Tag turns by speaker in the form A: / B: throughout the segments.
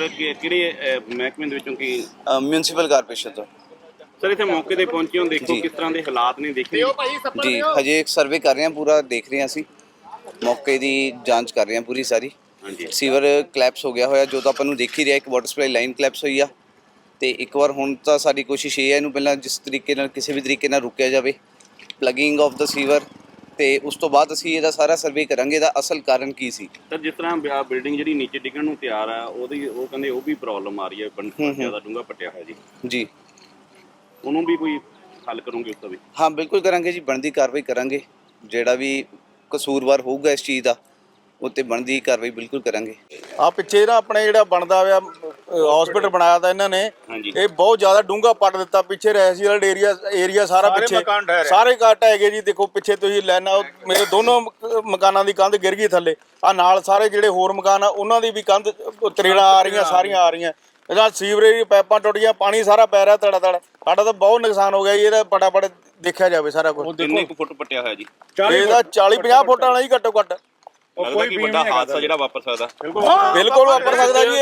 A: ਕਿਹੜੇ ਮਹਿਕਮੇ ਦੇ ਵਿੱਚੋਂ ਕੀ
B: म्यूनसिपल कारपोरेशन तो
A: ਸਰ ਇੱਥੇ ਮੌਕੇ ਤੇ ਪਹੁੰਚੇ ਹੋ ਦੇਖੋ
B: ਜੀ।
A: ਕਿਸ ਤਰ੍ਹਾਂ ਦੇ ਹਾਲਾਤ ਨੇ ਦੇਖੇ
B: जी हजे एक सर्वे कर रहे हैं पूरा देख रहे हैं ਅਸੀਂ ਮੌਕੇ ਦੀ ਜਾਂਚ ਕਰ ਰਹੇ ਹਾਂ ਪੂਰੀ ਸਾਰੀ
A: ਹਾਂਜੀ
B: ਸੀਵਰ ਕਲੈਪਸ ਹੋ ਗਿਆ ਹੋਇਆ ਜੋ ਤਾਂ ਆਪਾਂ ਨੂੰ ਦੇਖ ਹੀ ਰਿਹਾ ਇੱਕ ਵਾਟਰ ਸਪਲਾਈ ਲਾਈਨ ਕਲੈਪਸ ਹੋਈ ਆ ਤੇ ਇੱਕ ਵਾਰ ਹੁਣ ਤਾਂ ਸਾਡੀ ਕੋਸ਼ਿਸ਼ ਇਹ ਹੈ ਇਹਨੂੰ ਪਹਿਲਾਂ ਜਿਸ ਤਰੀਕੇ ਨਾਲ ਕਿਸੇ ਵੀ ਤਰੀਕੇ ਨਾਲ ਰੁਕਿਆ ਜਾਵੇ ਪਲੱਗਿੰਗ ਆਫ ਦਾ ਸੀਵਰ ਤੇ ਉਸ ਤੋਂ ਬਾਅਦ ਅਸੀਂ ਇਹਦਾ ਸਾਰਾ ਸਰਵੇ ਕਰਾਂਗੇ ਇਹਦਾ ਅਸਲ ਕਾਰਨ ਕੀ ਸੀ।
A: ਸਰ ਜਿਸ ਤਰ੍ਹਾਂ ਬਿਲਡਿੰਗ ਜਿਹੜੀ ਨੀਚੇ ਡਿੱਗਣ ਨੂੰ ਤਿਆਰ ਆ ਉਹ ਕਹਿੰਦੇ ਉਹ ਵੀ ਪ੍ਰੋਬਲਮ ਆ ਰਹੀ ਹੈ ਜ਼ਿਆਦਾ ਡੂੰਘਾ ਪੱਟਿਆ ਹੋਇਆ ਜੀ
B: ਜੀ
A: ਉਹਨੂੰ ਵੀ ਕੋਈ ਹੱਲ ਕਰੋਗੇ ਉਸ ਦਾ ਵੀ?
B: ਹਾਂ ਬਿਲਕੁਲ ਕਰਾਂਗੇ ਜੀ ਬਣਦੀ ਕਾਰਵਾਈ ਕਰਾਂਗੇ ਜਿਹੜਾ ਵੀ ਕਸੂਰਵਾਰ ਹੋਊਗਾ ਇਸ ਚੀਜ਼ ਦਾ ਉੱਤੇ ਬਣਦੀ ਕਾਰਵਾਈ ਬਿਲਕੁਲ ਕਰਾਂਗੇ।
C: ਆ ਪਿੱਛੇ ਨਾ ਆਪਣੇ ਜਿਹੜਾ ਬਣਦਾ ਹੋਇਆ ਹਸਪੀਟਲ ਬਣਾਇਆ ਤਾਂ ਇਹਨਾਂ ਨੇ
A: ਹਾਂਜੀ
C: ਇਹ ਬਹੁਤ ਜ਼ਿਆਦਾ ਡੂੰਘਾ ਪੱਟ ਦਿੱਤਾ ਪਿੱਛੇ ਰੈਸੀਅਲ ਏਰੀਆ ਸਾਰਾ ਪਿੱਛੇ ਸਾਰੇ ਕੱਟ ਹੈਗੇ ਜੀ। ਦੇਖੋ ਪਿੱਛੇ ਤੁਸੀਂ ਲੈਣਾ ਮੇਰੇ ਦੋਨੋਂ ਮਕਾਨਾਂ ਦੀ ਕੰਧ ਗਿਰ ਗਈ ਥੱਲੇ ਆ ਨਾਲ ਸਾਰੇ ਜਿਹੜੇ ਹੋਰ ਮਕਾਨ ਆ ਉਹਨਾਂ ਦੀ ਵੀ ਕੰਧ ਤਰੇੜਾਂ ਆ ਰਹੀਆਂ ਸਾਰੀਆਂ ਆ ਰਹੀਆਂ ਇਹਦਾ ਸੀਵਰੇਜ ਪਾਈਪਾਂ ਟੁੱਟ ਗਈਆਂ ਪਾਣੀ ਸਾਰਾ ਪੈ ਰਿਹਾ ਧੜਾ ਧੜ ਸਾਡਾ ਤਾਂ ਬਹੁਤ ਨੁਕਸਾਨ ਹੋ ਗਿਆ ਜੀ ਇਹਦਾ ਫਟਾਫਟ ਦੇਖਿਆ ਜਾਵੇ ਸਾਰਾ ਕੁਝ।
A: ਕਿੰਨੇ ਕੁ ਫੁੱਟ ਪੱਟਿਆ ਹੋਇਆ ਜੀ?
C: ਇਹਦਾ 40-50 ਫੁੱਟ ਵਾਲਾ ਜੀ ਘੱਟੋ ਘੱਟ
A: ਲੱਗਦਾ ਕਿ ਵੱਡਾ ਹਾਦਸਾ ਜਿਹੜਾ ਵਾਪਰ ਸਕਦਾ
C: ਬਿਲਕੁਲ ਵਾਪਰ ਸਕਦਾ ਜੀ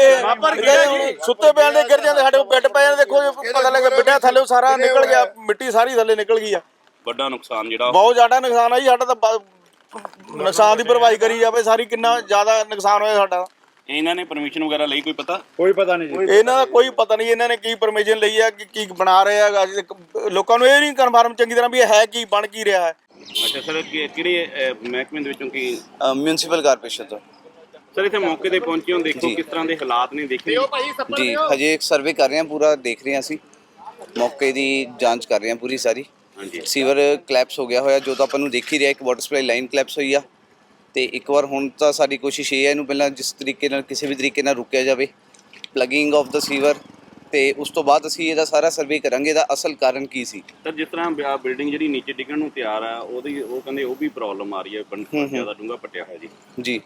C: ਇਹ ਸੁੱਤੇ ਪਿਆਂ ਦੇ ਗਿਰ ਜਾਂਦੇ ਸਾਡੇ ਬੈੱਡ ਪੈ ਜਾਂਦੇ ਦੇਖੋ ਪਤਾ ਲੱਗਾ ਬਿੱਡਿਆ ਥੱਲੇ ਸਾਰਾ ਨਿਕਲ ਗਿਆ ਮਿੱਟੀ ਸਾਰੀ ਥੱਲੇ ਨਿਕਲ ਗਈ ਆ
A: ਵੱਡਾ ਨੁਕਸਾਨ ਜਿਹੜਾ
C: ਬਹੁਤ ਜ਼ਿਆਦਾ ਨੁਕਸਾਨ ਆ ਜੀ ਸਾਡਾ ਤਾਂ ਨੁਕਸਾਨ ਦੀ ਭਰਪਾਈ ਕਰੀ ਜਾਵੇ ਸਾਰੀ ਕਿੰਨਾ ਜ਼ਿਆਦਾ ਨੁਕਸਾਨ ਹੋਇਆ ਸਾਡਾ।
A: ਇਹਨਾਂ ਨੇ ਪਰਮਿਸ਼ਨ ਵਗੈਰਾ ਲਈ ਕੋਈ ਪਤਾ?
D: ਕੋਈ ਪਤਾ ਨਹੀਂ ਜੀ
C: ਇਹਨਾਂ ਦਾ ਕੋਈ ਪਤਾ ਨਹੀਂ ਇਹਨਾਂ ਨੇ ਕੀ ਪਰਮਿਸ਼ਨ ਲਈ ਆ ਕਿ ਕੀ ਬਣਾ ਰਹੇ ਆ ਲੋਕਾਂ ਨੂੰ ਇਹ ਨਹੀਂ ਕਨਫਰਮ ਚੰਗੀ ਤਰ੍ਹਾਂ ਵੀ ਇਹ ਹੈ ਕੀ ਬਣ ਕੀ ਰਿਹਾ ਹੈ।
A: ਅੱਛਾ ਸਰ ਕਿਹੜੇ ਮਹਿਕਮੇ ਦੇ ਵਿੱਚੋਂ ਕੀ
B: म्यूनसिपल कारपोरेशन ਤੋਂ
A: ਸਰ ਇੱਥੇ ਮੌਕੇ ਤੇ ਪਹੁੰਚੇ ਹੋ ਦੇਖੋ
B: ਜੀ।
A: ਕਿਸ ਤਰ੍ਹਾਂ ਦੇ ਹਾਲਾਤ ਨੇ ਦੇਖੇ
B: ਜੀ ਹਜੇ ਇੱਕ ਸਰਵੇ ਕਰ ਰਹੇ ਹਾਂ ਪੂਰਾ ਦੇਖ ਰਹੇ ਹਾਂ ਅਸੀਂ ਮੌਕੇ ਦੀ ਜਾਂਚ ਕਰ ਰਹੇ ਹਾਂ ਪੂਰੀ ਸਾਰੀ
A: ਹਾਂਜੀ
B: ਸੀਵਰ ਕਲੈਪਸ ਹੋ ਗਿਆ ਹੋਇਆ ਜੋ ਤਾਂ ਆਪਾਂ ਨੂੰ ਦੇਖ ਹੀ ਰਿਹਾ ਇੱਕ ਵਾਟਰ ਸਪਲਾਈ ਲਾਈਨ ਕਲੈਪਸ ਹੋਈ ਆ ਤੇ ਇੱਕ ਵਾਰ ਹੁਣ ਤਾਂ ਸਾਡੀ ਕੋਸ਼ਿਸ਼ ਇਹ ਹੈ ਇਹਨੂੰ ਪਹਿਲਾਂ ਜਿਸ ਤਰੀਕੇ ਨਾਲ ਕਿਸੇ ਵੀ ਤਰੀਕੇ ਨਾਲ ਰੁਕਿਆ ਜਾਵੇ ਪਲੱਗਿੰਗ ਆਫ ਦਾ ਸੀਵਰ ਤੇ ਉਸ ਤੋਂ ਬਾਅਦ ਅਸੀਂ ਇਹਦਾ ਸਾਰਾ ਸਰਵੇ ਕਰਾਂਗੇ ਇਹਦਾ ਅਸਲ ਕਾਰਨ ਕੀ ਸੀ।
A: ਸਰ ਜਿਸ ਤਰ੍ਹਾਂ ਬਿਲਡਿੰਗ ਜਿਹੜੀ ਨੀਚੇ ਡਿੱਗਣ ਨੂੰ ਤਿਆਰ ਆ ਉਹ ਕਹਿੰਦੇ ਉਹ ਵੀ ਪ੍ਰੋਬਲਮ ਆ ਰਹੀ ਹੈ ਜ਼ਿਆਦਾ ਡੂੰਘਾ ਪੱਟਿਆ ਹੋਇਆ ਜੀ
B: ਜੀ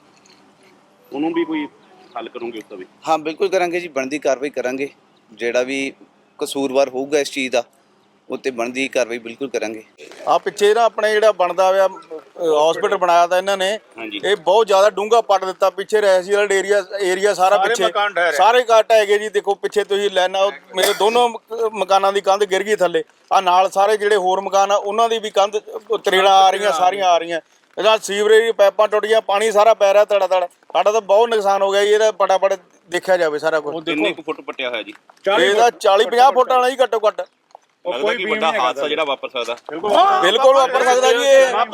A: ਉਹਨੂੰ ਵੀ ਕੋਈ ਹੱਲ ਕਰੋਗੇ ਉਸ ਦਾ ਵੀ?
B: ਹਾਂ ਬਿਲਕੁਲ ਕਰਾਂਗੇ ਜੀ ਬਣਦੀ ਕਾਰਵਾਈ ਕਰਾਂਗੇ ਜਿਹੜਾ ਵੀ ਕਸੂਰਵਾਰ ਹੋਊਗਾ ਇਸ ਚੀਜ਼ ਦਾ ਉੱਤੇ ਬਣਦੀ ਕਾਰਵਾਈ ਬਿਲਕੁਲ ਕਰਾਂਗੇ।
C: ਆ ਪਿੱਛੇ ਨਾ ਆਪਣੇ ਜਿਹੜਾ ਬਣਦਾ ਹੋਇਆ ਹਸਪੀਟਲ ਬਣਾਇਆ ਤਾਂ ਇਹਨਾਂ ਨੇ
A: ਹਾਂਜੀ
C: ਇਹ ਬਹੁਤ ਜ਼ਿਆਦਾ ਡੂੰਘਾ ਪੱਟ ਦਿੱਤਾ ਪਿੱਛੇ ਰੈਸੀਅਲ ਏਰੀਆ ਸਾਰਾ ਪਿੱਛੇ ਸਾਰੇ ਕੱਟ ਹੈਗੇ ਜੀ। ਦੇਖੋ ਪਿੱਛੇ ਤੁਸੀਂ ਲੈਣਾ ਮੇਰੇ ਦੋਨੋਂ ਮਕਾਨਾਂ ਦੀ ਕੰਧ ਗਿਰ ਗਈ ਥੱਲੇ ਆ ਨਾਲ ਸਾਰੇ ਜਿਹੜੇ ਹੋਰ ਮਕਾਨ ਆ ਉਹਨਾਂ ਦੀ ਵੀ ਕੰਧ ਤਰੇੜਾਂ ਆ ਰਹੀਆਂ ਸਾਰੀਆਂ ਆ ਰਹੀਆਂ ਇਹਦਾ ਸੀਵਰੇਜ ਪਾਈਪਾਂ ਟੁੱਟ ਗਈਆਂ ਪਾਣੀ ਸਾਰਾ ਪੈ ਰਿਹਾ ਧੜਾ ਧੜ ਸਾਡਾ ਤਾਂ ਬਹੁਤ ਨੁਕਸਾਨ ਹੋ ਗਿਆ ਜੀ ਇਹਦਾ ਫਟਾਫਟ ਦੇਖਿਆ ਜਾਵੇ ਸਾਰਾ ਕੁਝ।
A: ਕਿੰਨੇ ਕੁ ਫੁੱਟ ਪੱਟਿਆ ਹੋਇਆ ਜੀ?
C: ਇਹਦਾ 40-50 ਫੁੱਟ ਵਾਲਾ ਜੀ ਘੱਟੋ ਘੱਟ
A: ਲੱਗਦਾ ਕਿ ਵੱਡਾ ਹਾਦਸਾ ਜਿਹੜਾ ਵਾਪਰ ਸਕਦਾ
C: ਬਿਲਕੁਲ ਵਾਪਰ ਸਕਦਾ ਜੀ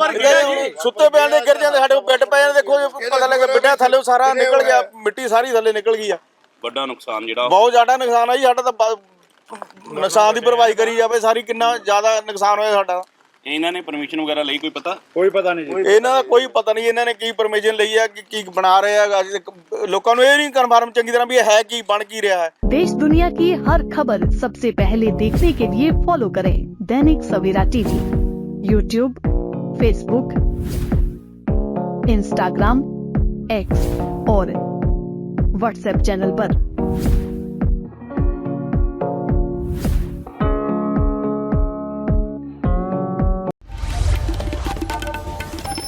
C: ਇਹ ਸੁੱਤੇ ਪਿਆਂ ਦੇ ਗਿਰ ਜਾਂਦੇ ਸਾਡੇ ਬੈੱਡ ਪੈ ਜਾਂਦੇ ਦੇਖੋ ਪਤਾ ਲੱਗਾ ਬਿੱਡਿਆ ਥੱਲੇ ਸਾਰਾ ਨਿਕਲ ਗਿਆ ਮਿੱਟੀ ਸਾਰੀ ਥੱਲੇ ਨਿਕਲ ਗਈ ਆ
A: ਵੱਡਾ ਨੁਕਸਾਨ ਜਿਹੜਾ
C: ਬਹੁਤ ਜ਼ਿਆਦਾ ਨੁਕਸਾਨ ਆ ਜੀ ਸਾਡਾ ਤਾਂ ਨੁਕਸਾਨ ਦੀ ਭਰਪਾਈ ਕਰੀ ਜਾਵੇ ਸਾਰੀ ਕਿੰਨਾ ਜ਼ਿਆਦਾ ਨੁਕਸਾਨ ਹੋਇਆ ਸਾਡਾ।
A: ਇਹਨਾਂ ਨੇ ਪਰਮਿਸ਼ਨ ਵਗੈਰਾ ਲਈ ਕੋਈ ਪਤਾ?
D: ਕੋਈ ਪਤਾ ਨਹੀਂ ਜੀ
C: ਇਹਨਾਂ ਦਾ ਕੋਈ ਪਤਾ ਨਹੀਂ ਇਹਨਾਂ ਨੇ ਕੀ ਪਰਮਿਸ਼ਨ ਲਈ ਆ ਕਿ ਕੀ ਬਣਾ ਰਹੇ ਆ ਲੋਕਾਂ ਨੂੰ ਇਹ ਨਹੀਂ ਕਨਫਰਮ ਚੰਗੀ ਤਰ੍ਹਾਂ ਵੀ ਇਹ ਹੈ ਕੀ ਬਣ ਕੀ ਰਿਹਾ ਹੈ।
E: देश दुनिया की हर खबर सबसे पहले देखने के लिए फॉलो करें Dainik Savera TV, YouTube, Facebook, Instagram, X और व्हाट्सएप चैनल पर।